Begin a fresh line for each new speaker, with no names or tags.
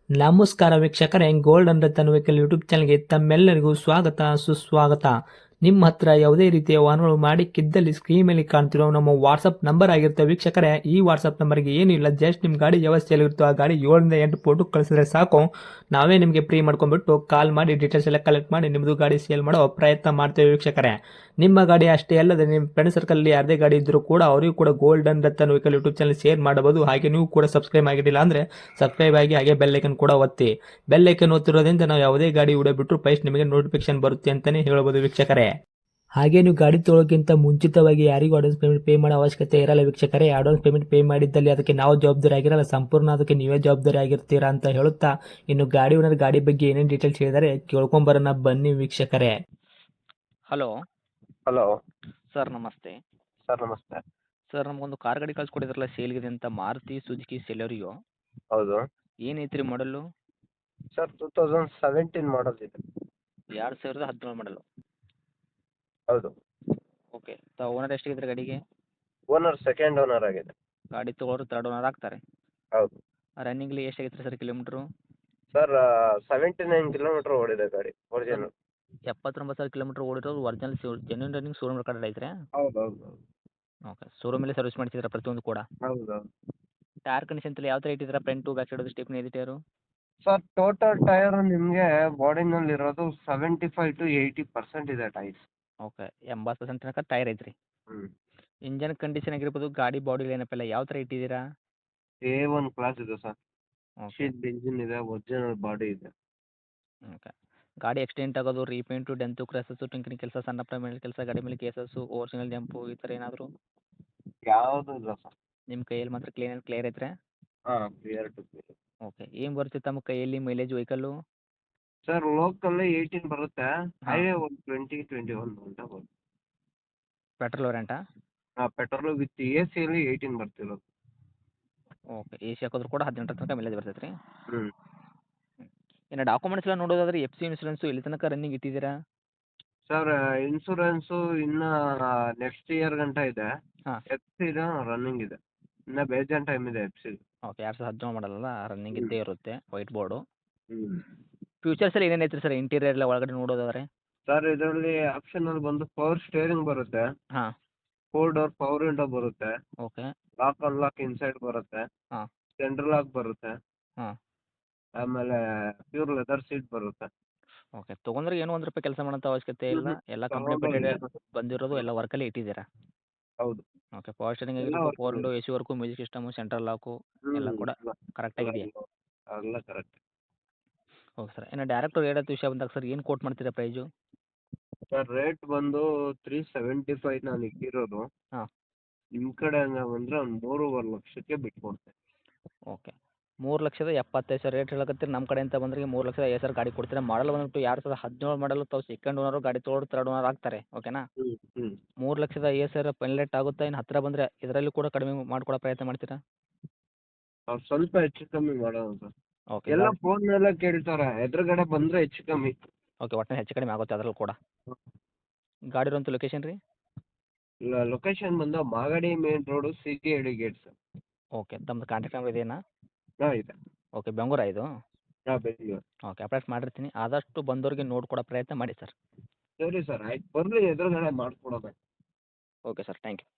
ನಮಸ್ಕಾರ ವೀಕ್ಷಕರೇ, golden Ratan vehicle YouTube ಚಾನಲ್ಗೆ ತಮ್ಮೆಲ್ಲರಿಗೂ ಸ್ವಾಗತ ಸುಸ್ವಾಗತ. ನಿಮ್ಮ ಹತ್ರ ಯಾವುದೇ ರೀತಿಯ ವಾಹನಗಳು ಮಾಡಿಕ್ಕಿದ್ದಲ್ಲಿ ಸ್ಕ್ರೀನ್ ಮೇಲೆ ಕಾಣ್ತಿರೋ ನಮ್ಮ ವಾಟ್ಸಪ್ ನಂಬರ್ ಆಗಿರುತ್ತೆ ವೀಕ್ಷಕರೇ. ಈ ವಾಟ್ಸಪ್ ನಂಬರ್ಗೆ ಏನಿಲ್ಲ, ಜಸ್ಟ್ ನಿಮ್ಮ ಗಾಡಿ ವ್ಯವಸ್ಥೆಯಲ್ಲಿರುತ್ತೋ ಆ ಗಾಡಿ 7 ರಿಂದ 8 ಫೋಟೋ ಕಳಿಸಿದ್ರೆ ಸಾಕು, ನಾವೇ ನಿಮಗೆ ಫ್ರೀ ಮಾಡ್ಕೊಂಡ್ಬಿಟ್ಟು ಕಾಲ್ ಮಾಡಿ ಡೀಟೇಲ್ಸ್ ಎಲ್ಲ ಕಲೆಕ್ಟ್ ಮಾಡಿ ನಿಮ್ಮದು ಗಾಡಿ ಸೇಲ್ ಮಾಡೋ ಪ್ರಯತ್ನ ಮಾಡ್ತೇವೆ ವೀಕ್ಷಕರೇ. ನಿಮ್ಮ ಗಾಡಿ ಅಷ್ಟೇ ಅಲ್ಲದೆ ನಿಮ್ಮ ಫ್ರೆಂಡ್ ಸರ್ಕಲ್ ಯಾರದೇ ಗಾಡಿ ಇದ್ದರೂ ಕೂಡ ಅವರಿಗೂ ಕೂಡ golden Ratan vehicle YouTube channel share ಮಾಡಬಹುದು. ಹಾಗೆ ನೀವು ಕೂಡ ಸಬ್ಸ್ಕ್ರೈಬ್ ಆಗಿರಲಿಲ್ಲ ಅಂದರೆ ಸಬ್ಸ್ಕ್ರೈಬ್ ಆಗಿ ಹಾಗೆ ಬೆಲ್ ಐಕನ್ ಕೂಡ ಒತ್ತಿ. ಬೆಲ್ ಐಕನ್ ಒತ್ತಿರೋದ್ರಿಂದ ನಾವು ಯಾವುದೇ ಗಾಡಿ ವಿಡಿಯೋ ಬಿಟ್ಟರು ಫಸ್ಟ್ ನಿಮಗೆ ನೋಟಿಫಿಕೇಶನ್ ಬರುತ್ತೆ ಅಂತಲೇ ಹೇಳ್ಬೋದು ವೀಕ್ಷಕರೇ. ಹಾಗೆ ನೀವು ಗಾಡಿ ತೊಳೋಕ್ಕಿಂತ ಮುಂಚಿತವಾಗಿ ಯಾರಿಗೂ ಅಡ್ವಾನ್ಸ್ ಪೇಮೆಂಟ್ ಪೇ ಮಾಡೋ ಅವಶ್ಯಕತೆ ಇರಲ್ಲ ವೀಕ್ಷಕರೇ. ಅಡ್ವಾನ್ಸ್ ಪೇಮೆಂಟ್ ಪೇ ಮಾಡಿದ್ದಲ್ಲಿ ಅದಕ್ಕೆ ನಾವು ಜವಾಬ್ದಾರಿ ಆಗಿರಲ್ಲ, ಸಂಪೂರ್ಣ ಅದಕ್ಕೆ ನೀವೇ ಜವಾಬ್ದಾರಿ ಆಗಿರ್ತೀರಾ ಅಂತ ಹೇಳುತ್ತಾ, ಇನ್ನು ಗಾಡಿ ಓನರ್ ಗಾಡಿ ಬಗ್ಗೆ ಏನೇನು ಡೀಟೇಲ್ಸ್ ಹೇಳಿದರೆ ಕೇಳ್ಕೊಂಬರೋಣ ಬನ್ನಿ ವೀಕ್ಷಕರೇ.
ಹಲೋ
ಹಲೋ
ಸರ್, ನಮಸ್ತೆ.
ಸರ್ ನಮಸ್ತೆ.
ಸರ್, ನಮಗೊಂದು ಕಾರ್ ಗಾಡಿ ಕಳ್ಸಿಕೊಡಿದ್ರಲ್ಲ ಸೇಲ್ಗಿದೆ ಅಂತ, ಮಾರುತಿ ಸುಜುಕಿ ಸೆಲೆರಿಯೋ.
ಹೌದು
ಏನೈತ್ರಿ ಮಾಡಲು?
ಸರ್ 2017 ಮಾಡಲ್ ಇದೆ.
2017 ಮಾಡಲು.
ಹೌದು.
ಓಕೆ. ಓನರ್ ಎಷ್ಟಾಗಿದ್ರೆ ಗಾಡಿಗೆ?
ಓನರ್ ಸೆಕೆಂಡ್ ಓನರ್ ಆಗಿದೆ.
ಗಾಡಿ ತೊಗೊಳೋರು ತರ್ಡ್ ಓನರ್ ಆಗ್ತಾರೆ.
ಹೌದು.
ರನ್ನಿಂಗ್ಲಿ ಎಷ್ಟಾಗಿತ್ತು ಸರ್ ಕಿಲೋಮೀಟ್ರು?
ಸರ್ 79 ಕಿಲೋಮೀಟರ್ ಓಡಿದೆ ಗಾಡಿ ಒರಿಜಿನಲ್.
79,000 ಕಿಲೋಮೀಟ್ರ್ ಓಡಿರೋದು original genuine running showroom record ಐತ್ರಿ?
ಹೌದು ಹೌದು
ಓಕೆ. ಶೋರೂಮಲ್ಲೇ ಸರ್ವಿಸ್ ಮಾಡಿಸಿದ್ರೆ ಪ್ರತಿಯೊಂದು ಕೂಡ?
ಹೌದು.
ಟೈರ್ ಕಂಡೀಷನ್ ಎಲ್ಲ ಯಾವ ಥರ ಇಟ್ಟಿದ್ದೀರಾ? ಫ್ರಂಟು ಬ್ಯಾಕ್ ಸೈಡ್ ಸ್ಟೆಪ್ನಿ ಇದೆ ಟೈರು?
ಸರ್ ಟೋಟಲ್ ಟೈರ್ ನಿಮಗೆ ಬಾಡಿನಲ್ಲಿ ಇರೋದು 75 to 80% ಇದೆ ಟೈರ್ಸ್.
ಓಕೆ. 80% ತನಕ ಟೈರ್ ಐತ್ರಿ. ಇಂಜನ್ ಕಂಡೀಷನ್ ಆಗಿರ್ಬೋದು, ಗಾಡಿ ಬಾಡಿ ಲೈನಪ್ ಎಲ್ಲ ಯಾವ ಥರ ಇಟ್ಟಿದ್ದೀರಾ?
A1 ಕ್ಲಾಸ್ ಇದೆ ಸರ್.
ಓಕೆ.
ಶೀಟ್ ಇಂಜಿನ್ ಇದೆ, ಒರಿಜಿನಲ್ ಬಾಡಿ ಇದೆ.
ಓಕೆ. ಗಾಡಿ ಆಕ್ಸಿಡೆಂಟ್ ಆಗೋದು, ರೀಪೇಂಟು, ಡೆಂತು, ಕ್ರ್ಯಾಸಸ್ಸು, ಟಿಂಕರಿಂಗ್ ಕೆಲಸ, ಸಣ್ಣ ಪುಟ್ಟ ಮೇಲೆ ಕೆಲಸ, ಗಾಡಿ ಮೇಲೆ ಕೇಸಸ್ಸು, ಓರಿಜಿನಲ್ ಜಂಪು ಈ ಥರ ಏನಾದರೂ?
ಯಾವುದು ಇಲ್ಲ ಸರ್.
ನಿಮ್ಮ ಕೈಯಲ್ಲಿ ಮಾತ್ರ ಕ್ಲಿಯರ್ ಐತ್ರಿ?
ಹಾಂ, ಕ್ಲಿಯರ್ ಟು ಕ್ಲಿಯರ್.
ಓಕೆ. ಏನು ಬರುತ್ತೆ ತಮ್ಮ ಕೈಯಲ್ಲಿ ಮೈಲೇಜ್ ವೆಹಿಕಲ್ಲು?
ಸರ್ ಲೋಕಲ್ 18 ಬರುತ್ತೆ,
ಹಾಂ.
ಹೈವೇ ಒಂದು 20-21 ಅಂತ ಬರುತ್ತೆ.
ಪೆಟ್ರೋಲ್ ವೇರಿಯಂಟಾ?
ಹಾಂ, ಪೆಟ್ರೋಲ್ ವಿತ್ AC 18 ಬರ್ತಿರೋದು.
ಓಕೆ. ಎ ಸಿ ಹಾಕಿದ್ರು ಕೂಡ 18 ತನಕ ಮೈಲೇಜ್ ಬರ್ತೈತೆ ರೀ?
ಹ್ಞೂ.
ಇನ್ನು ಡಾಕ್ಯುಮೆಂಟ್ಸ್ ಎಲ್ಲ ನೋಡೋದಾದ್ರೆ FC ಇನ್ಸೂರೆನ್ಸು ಎಲ್ಲಿ ತನಕ ರನ್ನಿಂಗ್ ಇಟ್ಟಿದ್ದೀರಾ?
ಸರ್ ಇನ್ಸೂರೆನ್ಸು ಇನ್ನು ನೆಕ್ಸ್ಟ್ ಇಯರ್ ಗಂಟ ಇದೆ.
ಹಾಂ.
FC ರನ್ನಿಂಗ್ ಇದೆ, ಇನ್ನು ಬೇಜಾನ್ ಟೈಮ್ ಇದೆ FC.
ಓಕೆ. 2017 ಮಾಡಲ್ಲ, ರನ್ನಿಂಗ್ ಇದ್ದೇ ಇರುತ್ತೆ, ವೈಟ್ ಬೋರ್ಡು.
ಹ್ಞೂ.
ಫ್ಯೂಚರ್ಸ್ ಎಲ್ಲ ಏನೇನು ಐತ್ರಿ ಸರ್ ಇಂಟೀರಿಯರ್ ಎಲ್ಲ ಒಳಗಡೆ ನೋಡೋದಾದ್ರೆ?
ಸರ್ ಇದರಲ್ಲಿ ಆಪ್ಷನಲ್ಲಿ ಬಂದು ಪವರ್ ಸ್ಟೇರಿಂಗ್ ಬರುತ್ತೆ,
ಹಾಂ.
4 ಡೋರ್ ಪವರ್ ವಿಂಡೋ ಬರುತ್ತೆ,
ಓಕೆ.
ಲಾಕ್ ಅನ್ಲಾಕ್ ಇನ್ಸೈಡ್ ಬರುತ್ತೆ,
ಹಾಂ.
ಸೆಂಟ್ರಲ್ ಲಾಕ್ ಬರುತ್ತೆ,
ಹಾಂ.
ಆಮೇಲೆ ಪ್ಯೂರ್ ಲೆದರ್ ಸೀಟ್ ಬರುತ್ತೆ.
ಓಕೆ. ತೊಗೊಂಡ್ರೆ ಏನೂ ₹1 ಕೆಲಸ ಮಾಡೋಂಥ ಅವಶ್ಯಕತೆ ಇಲ್ಲ, ಎಲ್ಲ ಕಂಪ್ನಿ ಫಿಟೆಡ್ ಬಂದಿರೋದು, ಎಲ್ಲ ವರ್ಕಲ್ಲೇ ಇಟ್ಟಿದ್ದೀರಾ?
ಹೌದು.
ಓಕೆ. ಪವರ್ ಸ್ಟೇರಿಂಗ್
ಎಲ್ಲ
ಆಗಿರ್ಬೋದು,
work
ಪವರ್ ವಿಂಡೋ,
ಇದೆ.
AC work, music system, central lock ಎಲ್ಲ ಕೂಡ ಕರೆಕ್ಟಾಗಿದೆಯಾ?
ಎಲ್ಲ ಕರೆಕ್ಟ್.
Okay sir. ಇನ್ನು ಡೈರೆಕ್ಟ್ ರೇಟ್ ವಿಷಯ ಬಂದಾಗ ಸರ್ ಏನು ಕೋಟ್ ಮಾಡ್ತೀರಾ ಪ್ರೈಸು?
ಸರ್ ರೇಟ್ ಬಂದು 375 ನಾನು ಇಟ್ಟಿರೋದು.
ಹಾಂ.
ನಿಮ್ಮ ಕಡೆಯಿಂದ ಬಂದರೆ ಒಂದು 3.5 ಲಕ್ಷಕ್ಕೆ ಬಿಟ್ಕೊಡ್ತೇನೆ.
ಓಕೆ. 3,75,000 ರೇಟ್ ಹೇಳಕತ್ತೀರಿ. ನಮ್ಮ ಕಡೆಯಿಂದ ಬಂದ್ರೆ 3,50,000 ಗಾಡಿ ಕೊಡ್ತೀರಾ. ಮಾಡಲ್ ಬಂದ್ಬಿಟ್ಟು 2017 ಮಾಡಲು ತಾವು ಸೆಕೆಂಡ್ ಓನರು, ಗಾಡಿ ತೊಗೊಳೋರು ತರ್ಡ್ ಓನರ್ ಆಗ್ತಾರೆ. ಓಕೆನಾ?
ಹ್ಞೂ ಹ್ಞೂ
3,50,000 ಫೈನಲ್ ರೇಟ್ ಆಗುತ್ತಾ? ಇನ್ನು ಹತ್ತಿರ ಬಂದರೆ ಇದರಲ್ಲಿ ಕೂಡ ಕಡಿಮೆ ಮಾಡ್ಕೊಡೋ ಪ್ರಯತ್ನ ಮಾಡ್ತೀರಾ?
ಅವ್ರು ಸ್ವಲ್ಪ ಹೆಚ್ಚು ಕಮ್ಮಿ ಮಾಡೋಣ ಸರ್.
ಓಕೆ.
ಎಲ್ಲ ಫೋನ್ ಮೇಲೆ ಕೇಳ್ತಾರೆ, ಎದುರುಗಡೆ ಬಂದರೆ ಹೆಚ್ಚು ಕಮ್ಮಿ.
ಓಕೆ. ಒಟ್ಟಿನಲ್ಲಿ ಹೆಚ್ಚು ಕಡಿಮೆ ಆಗುತ್ತೆ ಅದರಲ್ಲೂ ಕೂಡ. ಗಾಡಿ ಇರೋಂಥ ಲೊಕೇಶನ್ ರೀ?
ಲೊಕೇಶನ್ ಬಂದು Magadi main road, CKD gate sir.
Okay. ತಮ್ಮದು ಕಾಂಟ್ಯಾಕ್ಟ್ ನಂಬರ್ ಇದೆಯಾ?
ಹಾಂ ಇದೆ.
ಓಕೆ. ಬೆಂಗಳೂರಾ ಇದು?
ಹಾಂ, ಬೆಂಗಳೂರು.
ಓಕೆ. ಅಪ್ಡೇಟ್ ಮಾಡಿರ್ತೀನಿ. ಆದಷ್ಟು ಬಂದವರಿಗೆ ನೋಡ್ಕೊಡೋ ಪ್ರಯತ್ನ ಮಾಡಿ ಸರ್.
ಸರಿ ಸರ್, ಆಯ್ತು, ಬರ್ರಿ ಎದುರುಗಡೆ ಮಾಡಿಕೊಡೋಣ.
Okay sir. Thank you.